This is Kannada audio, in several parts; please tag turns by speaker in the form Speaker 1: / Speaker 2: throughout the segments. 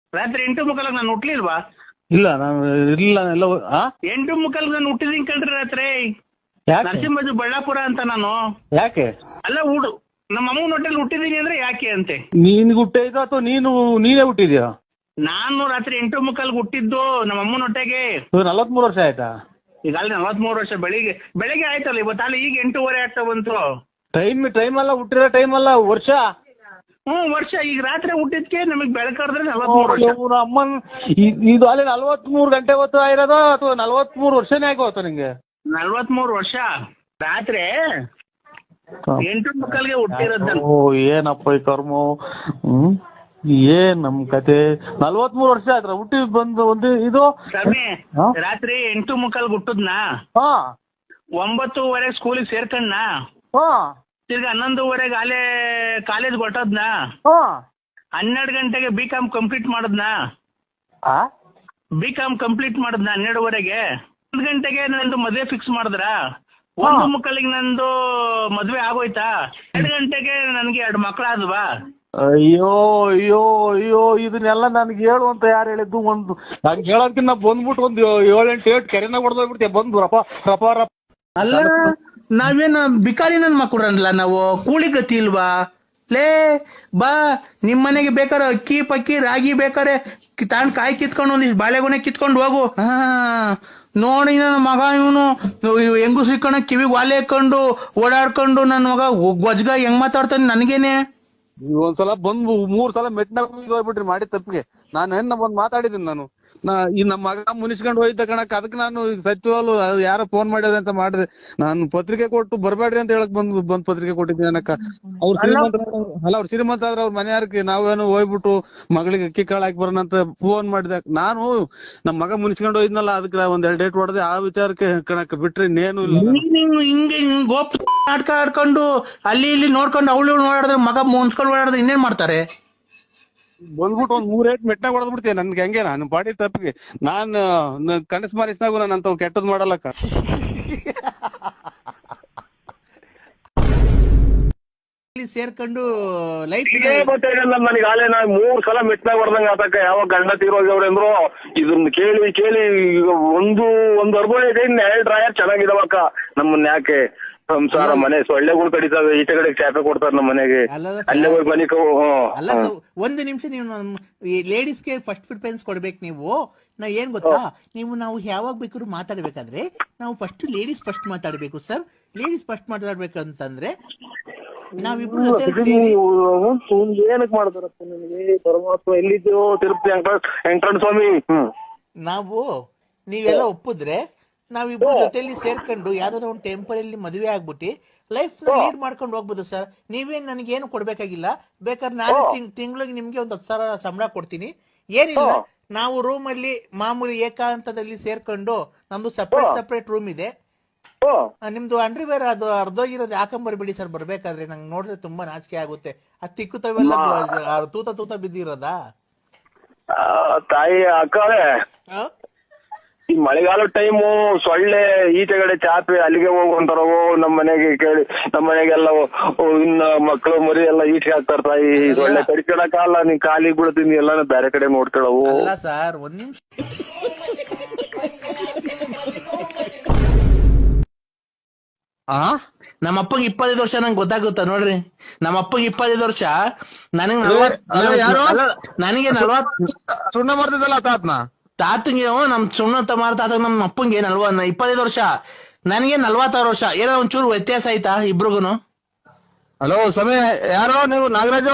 Speaker 1: ರಾತ್ರಿ 8:45 ನಾನು ಹುಟ್ಲಿಲ್ವಾ?
Speaker 2: ಇಲ್ಲ ನಾನು ಇಲ್ಲ ಎಲ್ಲ
Speaker 1: 8:45 ನಾನು ಹುಟ್ಟಿದೀನಿ ಕಣ್ರಿ ರಾತ್ರಿ.
Speaker 2: ಯಾಕೆ
Speaker 1: ನರಸಿಂಹಜು ಬಳ್ಳಾಪುರ ಅಂತ ನಾನು.
Speaker 2: ಯಾಕೆ
Speaker 1: ಅಲ್ಲ ನಮ್ಮ ಅಮ್ಮನ ಹೊಟ್ಟೆಲಿ ಹುಟ್ಟಿದೀನಿ ಅಂದ್ರೆ ಯಾಕೆ ಅಂತೆ.
Speaker 2: ನೀನ್ ಹುಟ್ಟಿದ ಅಥವಾ ನೀನೇ ಹುಟ್ಟಿದ್ಯಾ?
Speaker 1: ನಾನು ರಾತ್ರಿ 8:45 ಹುಟ್ಟಿದ್ದು ನಮ್ಮ ಅಮ್ಮನ ಹೊಟ್ಟೆಗೆ.
Speaker 2: 43 ವರ್ಷ ಆಯ್ತಾ?
Speaker 1: ಈಗ ಅಲ್ಲಿ 43 ವರ್ಷ. ಬೆಳಿಗ್ಗೆ ಆಯ್ತಲ್ಲ ಇವತ್ತು, ಅಲ್ಲಿ ಈಗ 8:15 ಆಗ್ತಾ ಬಂತು.
Speaker 2: ಟೈಮ್ ಅಲ್ಲ, ಹುಟ್ಟಿರೋ ಟೈಮ್ ಅಲ್ಲ, ವರ್ಷ.
Speaker 1: ವರ್ಷ. ಈಗ ರಾತ್ರಿ ಹುಟ್ಟಿದ್ಕೆ ನಮಗ್ ಬೆಳಕಾದ್ರೆ 43 ವರ್ಷ.
Speaker 2: ಅಮ್ಮನ್ ಇದು ಅಲ್ಲಿ 43 ಗಂಟೆ ಹೊತ್ತು ಆಗಿರೋದ ಅಥವಾ 43 ವರ್ಷನೇ ಆಗೋತ ನಿಂಗೆ?
Speaker 1: 43 ವರ್ಷ. ರಾತ್ರಿ 8:45 ಹುಟ್ಟಿರೋದ್.
Speaker 2: ಓ ಏನಪ್ಪ ಈ ಕರ್ಮ. ಏನ್ ನಮ್ ಕತೆ. 43 ವರ್ಷ ಆಯ್ತು ಹುಟ್ಟಿ ಬಂದು ಒಂದು ಇದು
Speaker 1: ಸ್ವಾಮಿ. ರಾತ್ರಿ 8:45 ಹುಟ್ಟದ್ನಾ, 9:00 ಸ್ಕೂಲಿಗೆ ಸೇರ್ಕಣ್ಣ, ತಿರ್ಗಿ 11:00 ಅಲ್ಲೇ ಕಾಲೇಜ್ ಹೊಟ್ಟದ್ನಾ, 12 ಗಂಟೆಗೆ B.Com ಕಂಪ್ಲೀಟ್ ಮಾಡದ್ನಾ, B.Com ಕಂಪ್ಲೀಟ್ ಮಾಡದ್ನಾ 12:30ಗೆ. 1 ಗಂಟೆಗೆ ನಂದು ಮದ್ವೆ ಫಿಕ್ಸ್ ಮಾಡಿದ್ರ. 1:30 ನಂದು ಮದ್ವೆ ಆಗೋಯ್ತಾ. 2 ಗಂಟೆಗೆ ನನ್ಗೆ 2 ಮಕ್ಳಾದ್ವಾ.
Speaker 2: ಅಯ್ಯೋ ಅಯ್ಯೋ ಅಯ್ಯೋ ಇದನ್ನೆಲ್ಲ ನನ್ಗೆ ಹೇಳು ಅಂತ ಯಾರು ಹೇಳಿದ್ದು? ಒಂದು ನಂಗೆ ಹೇಳೋದಕ್ಕಿಂತ ಬಂದ್ಬಿಟ್ಟು ಒಂದು 7-8 ಕೆರೆನಾಗ ಹೊಡೆದೋಗ್ಬಿಡ್ತೀಯ ಬಂದು ರಪ ರಪ ರಪ.
Speaker 1: ಅಲ್ಲ ನಾವೇನು ಬಿಕಾರಿ ನನ್ ಮಕ್ಕಳಲ್ಲ, ನಾವು ಕೂಲಿ ಗತಿ ಇಲ್ವಾ? ಲೇ ಬಾ, ನಿಮ್ ಮನೆಗೆ ಬೇಕಾರೆ ಅಕ್ಕಿ ಪಕ್ಕಿ ರಾಗಿ ಬೇಕಾರೆ ತಾಂಡ್ ಕಾಯಿ ಕಿತ್ಕೊಂಡು ಒಂದಿಷ್ಟು ಬಾಳೆಗೊನೆ ಕಿತ್ಕೊಂಡು ಹೋಗು. ನೋಡಿ ನನ್ನ ಮಗ ಇವನು ಹೆಂಗು ಸಿಕ್ಕಣ ಕಿವಿಗೆ ವಾಲೆ ಹಾಕೊಂಡು ಓಡಾಡ್ಕೊಂಡು ನನ್ನ ಮಗ ಗೊಜ್ಗ ಹೆಂಗ್ ಮಾತಾಡ್ತಾನೆ ನನಗೇನೆ.
Speaker 2: ಒಂದ್ಸಲ ಬಂದು 3 ಸಲ ಮೆಟ್ನಾಗ ಹೋಗ್ಬಿಟ್ರಿ ಮಾಡಿ ತಪ್ಪಿಗೆ. ನಾನು ಹೆಣ್ಣ ಬಂದು ಮಾತಾಡಿದ್ದೀನಿ. ನಾನು ಈ ನಮ್ಮ ಮಗ ಮುನಿಸ್ಕೊಂಡು ಹೋಯ್ತ ಕಣಕ್, ಅದಕ್ಕೆ ನಾನು ಸಚಿವಾಲು ಯಾರೋ ಫೋನ್ ಮಾಡ್ಯಾರ ಅಂತ ಮಾಡಿದೆ. ನಾನು ಪತ್ರಿಕೆ ಕೊಟ್ಟು ಬರ್ಬೇಡ್ರಿ ಅಂತ ಹೇಳಕ್ ಬಂದ್ ಪತ್ರಿಕೆ ಕೊಟ್ಟಿದ್ದೀನಿ ಅನ್ನಕ್ಕ. ಅವ್ರು ಶ್ರೀಮಂತ ಆದ್ರೆ ಅವ್ರ ಮನೆಯಾರಕ್ಕೆ ನಾವೇನು ಹೋಗ್ಬಿಟ್ಟು ಮಗಳಿಗೆ ಅಕ್ಕಿ ಕಾಳು ಹಾಕಿ ಬರೋಣ ಅಂತ ಫೋನ್ ಮಾಡಿದೆ. ನಾನು ನಮ್ಮ ಮಗ ಮುನಿಸ್ಕೊಂಡು ಹೋಯ್ದ್ನಲ್ಲ, ಅದಕ್ಕೆ ಒಂದ್ 2 ಡೇಟ್ ಹೊಡೆದೆ. ಆ ವಿಚಾರಕ್ಕೆ ಕಣಕ್ ಬಿಟ್ರೆ ಇನ್ನೇನು ಇಲ್ಲ.
Speaker 1: ಹಿಂಗೆ ಗೋಪ್ ನಾಟಕ ಆಡ್ಕೊಂಡು ಅಲ್ಲಿ ಇಲ್ಲಿ ನೋಡ್ಕೊಂಡು ಅವಳು ಓಡಾಡಿದ್ರೆ ಮಗ ಮುನ್ಸ್ಕೊಂಡು ಓಡಾಡಿದ್ರೆ ಇನ್ನೇನ್ ಮಾಡ್ತಾರೆ?
Speaker 2: ಬಂದ್ಬಿಟ್ಟು ಒಂದ್ 3 ಏಟ್ ಮೆಟ್ನಾಗ ಹೊಡೆದ್ಬಿಡ್ತೀಯ ನನ್ಗೆ. ಹಂಗೆ ನಾನು ಪಾಡಿ ತಪ್ಪಿಗೆ ನಾನು ಕನಸು ಮಾರಿಸ್ನಾಗು ನಾನು ಅಂತ ಕೆಟ್ಟದ್ ಮಾಡಲ್ಲಕ್ಕ.
Speaker 1: ಸೇರ್ಕೊಂಡು ಲೈಟ್
Speaker 3: ಗೊತ್ತಾಗಲ್ಲ ನನಗೆ. ಆಲೇ ನಾ 3 ಸಲ ಮೆಟ್ನಾಗ ಹೊಡೆದಂಗ ಆತಕ್ಕ. ಯಾವಾಗ ಗಂಡ ತೀರೋಗ್ಯವ್ರೆ ಅಂದ್ರು ಇದನ್ನ ಕೇಳಿ ಕೇಳಿ ಒಂದು ಅರ್ಬೋಳೈತೆ, 2 ಡ್ರಾಯರ್ ಚೆನ್ನಾಗಿದಾವಕ್ಕ. ನಮ್ಮನ್ನ ಯಾಕೆ ಸಂಸಾರ ಮನೆ ಸೊಳ್ಳೆಗಳು ಕಡಿತಾವೆ, ಈಚೆ ಕಡೆ ಚಾಪೆ ಕೊಡ್ತಾರೆ ನಮ್ಮ ಮನೆಗೆ. ಅಲ್ಲೇ ಹೋಗಿ ಮನೆ
Speaker 1: ಅಲ್ಲ. ಒಂದು ನಿಮಿಷ, ನೀವು ಲೇಡೀಸ್ಗೆ ಫಸ್ಟ್ ಪ್ರಿಫರೆನ್ಸ್ ಕೊಡ್ಬೇಕು. ನಾವು ಏನ್ ಗೊತ್ತಾ, ನಾವು ಯಾವಾಗ ಬೇಕಾದ್ರೂ ಮಾತಾಡ್ಬೇಕಾದ್ರೆ ನಾವು ಲೇಡೀಸ್ ಫಸ್ಟ್ ಮಾತಾಡ್ಬೇಕು ಸರ್. ಲೇಡೀಸ್ ಫಸ್ಟ್ ಮಾತಾಡ್ಬೇಕಂತಂದ್ರೆ ನಾವಿಬ್ರು
Speaker 3: ಏನಕ್ ಮಾಡ್ತಾರಪ್ಪ ನಿನಗೆ ಪರಮಾತ್ಮ. ಎಲ್ಲಿದ್ಯೋ ತಿರುಪತಿ ವೆಂಕಟರಮಣ ಸ್ವಾಮಿ.
Speaker 1: ನೀವೆಲ್ಲ ಒಪ್ಪಿದ್ರೆ ನಾವಿಬ್ರು ಜೊತೆಲಿ ಸೇರ್ಕೊಂಡು ಯಾವ್ದಾದ್ರು ಒಂದು ಟೆಂಪರಲ್ಲಿ ಮದುವೆ ಆಗ್ಬಿಟ್ಟು ಲೈಫ್ ನ ಲೀಡ್ ಮಾಡ್ಕೊಂಡು ಹೋಗ್ಬೋದು ಸರ್. ನೀವೇನ್ ನನಗೇನು ಕೊಡ್ಬೇಕಾಗಿಲ್ಲ. ಬೇಕಾದ್ರೆ ನಾನು ತಿಂಗಳಿಗೆ ನಿಮ್ಗೆ ಒಂದು 10,000 ಸಂಬಳ ಕೊಡ್ತೀನಿ. ಏನಿಲ್ಲ, ನಾವು ರೂಮ್ ಅಲ್ಲಿ ಮಾಮೂಲಿ ಏಕಾಂತದಲ್ಲಿ ಸೇರ್ಕೊಂಡು, ನಮ್ದು ಸಪ್ರೇಟ್ ರೂಮ್ ಇದೆ. ನಿಮ್ದು ಅಂಡರ್ವೇರ್ ಅದು ಅರ್ಧೋಗಿರೋದು ಹಾಕೊಂಬರ್ಬಿಡಿ ಸರ್. ಬರ್ಬೇಕಾದ್ರೆ ನಂಗೆ ನೋಡಿದ್ರೆ ತುಂಬಾ ನಾಚಿಕೆ ಆಗುತ್ತೆ. ಅದು ತಿಕ್ಕುತ್ತವೆಲ್ಲ ತೂತ ಬಿದ್ದಿರೋದಾ
Speaker 3: ತಾಯಿ ಅಕ್ಕವೇ. ಈ ಮಳೆಗಾಲ ಟೈಮು ಸೊಳ್ಳೆ ಈಚೆಗಡೆ ಚಾಪೆ ಅಲ್ಲಿಗೆ ಹೋಗುವಂತಾರ. ನಮ್ಮ ಮನೆಗೆ ಕೇಳಿ, ನಮ್ಮ ಮನೆಗೆಲ್ಲ ಇನ್ನ ಮಕ್ಕಳು ಮರಿ ಎಲ್ಲ ಈಚೆಗೆ ಹಾಕ್ತಾರ. ತಾಯಿ ಸೊಳ್ಳೆ ಕಡಿಕೊಳಕಲ್ಲ, ನೀನ್ ಕಾಲಿಗೆ ಬೀಳ್ತೀನಿ ಎಲ್ಲ ಬೇರೆ ಕಡೆ ನೋಡ್ಕೊಳವು.
Speaker 1: ಅಲ್ಲ ಸರ್, ಒಂದ್ ನಿಮಿಷ. ನಮ್ಮ ಅಪ್ಪಗೆ 25 ವರ್ಷ ನಂಗೆ ಗೊತ್ತಾಗುತ್ತಾ ನೋಡ್ರಿ. ನಮ್ಮ ಅಪ್ಪಗೆ 25 ವರ್ಷ, ನನಗೆ 40.
Speaker 2: ಸುಣ್ಣ ಮಾಡ್ತಿದ್ದಲ್ಲ
Speaker 1: ತಾತಂಗೆ ನಮ್ ಸುಣ್ಣ ಮಾರ ತಾತ ನಮ್ಮ ಅಪ್ಪಂಗೆ 25 ವರ್ಷ, ನನಗೆ 46 ವರ್ಷ. ಏನೋ ಒಂಚೂರು ವ್ಯತ್ಯಾಸ ಆಯ್ತಾ ಇಬ್ರಿಗೂನು?
Speaker 2: ಹಲೋ ಸಮಯ, ಯಾರೋ ನೀವು? ನಾಗರಾಜು.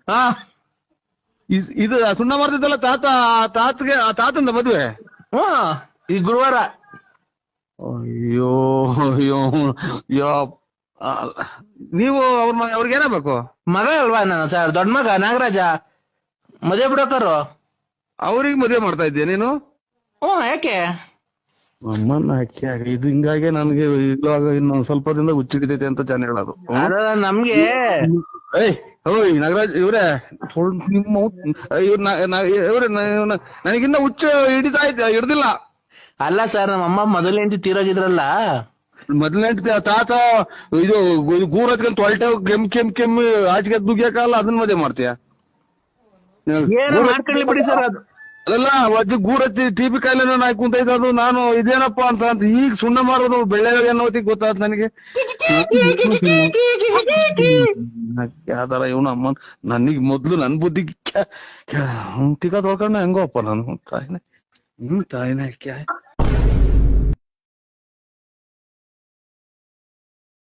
Speaker 2: ಇದು ಸುಣ್ಣ ಮಾಡ್ತಿದ್ದಲ್ಲ ತಾತಂದ ಮದ್ವೆ
Speaker 1: ಈ ಗುರುವಾರ.
Speaker 2: ಅಯ್ಯೋ ಅಯ್ಯೋ ಯೋ. ನೀವು ಅವ್ರಿಗೆ ಏನಾಗಬೇಕು?
Speaker 1: ಮಗ ಅಲ್ವಾ ನಾನು ಸರ್, ದೊಡ್ಡ ಮಗ ನಾಗರಾಜ. ಮದುವೆ ಬಿಡೋಕರು
Speaker 2: ಅವ್ರಿಗೆ ಮದುವೆ ಮಾಡ್ತಾ ಇದ್ದೀಯ ನೀನು?
Speaker 1: ಯಾಕೆ?
Speaker 2: ಅಮ್ಮನ್ನ ಹಾಕಿ ಇದು ಹಿಂಗಾಗಿ ನನ್ಗೆ ಇವಾಗ ಇನ್ನೊಂದ್ ಸ್ವಲ್ಪ ದಿನದ ಹುಚ್ಚಿಡಿತೈತೆ ಅಂತ ಜನ ಹೇಳೋದು.
Speaker 1: ನಮ್ಗೆ
Speaker 2: ಓಯ್ ನಾಗರಾಜ್ ಇವ್ರೆ, ನಿಮ್ಮ ಇವ್ರೆ ನನಗಿನ್ನ ಹುಚ್ಚು ಹಿಡಿದಿಲ್ಲ.
Speaker 1: ಅಲ್ಲ ಸರ್, ನಮ್ಮ ಅಮ್ಮ ಮೊದಲನೇ ಹೆಂಡತಿ ತೀರೋಗಿದ್ರಲ್ಲ.
Speaker 2: ಮೊದಲನೇ ತಾತ ಇದು ಗೂರ್ ಹಚ್ಕೊಂಡ್ ತೊಳ್ಟೆ ಕೆಮ್ಮು ಆಚೆಗೆ ದುಗ್ಯಾಕಲ್ಲ, ಅದನ್ನ ಮದುವೆ ಮಾಡ್ತೀಯ?
Speaker 1: ಏನೋ ಮಾಡ್ಕೊಳ್ಳಿ ಬಿಡಿ ಸರ್ ಅದು.
Speaker 2: ಅಲ್ಲ ಅಜ್ಜಿ ಗೂರತ್ತಿ ಟಿಬಿ ಕಾಯಿಲೆ ನಾಯಿ ಕುಂತೈತೆ ಅದು. ನಾನು ಇದೇನಪ್ಪ ಅಂತ ಈಗ ಸುಣ್ಣ ಮಾರೋದು ಬೆಳ್ಳೆಗೆ ಅನ್ನೋತಿಗೆ ಗೊತ್ತಾದ್ ನನಗೆ. ಯಾವ್ದಾರ ಇವನು ಅಮ್ಮ ನನಗ್ ಮೊದ್ಲು ನನ್ ಬುದ್ಧಿ ತಿಕ್ಕ ತೊಳ್ಕೊಂಡ ಹೆಂಗೋಪ್ಪ ನಾನು ತಾಯಿನೇ ತಾಯಿನೇ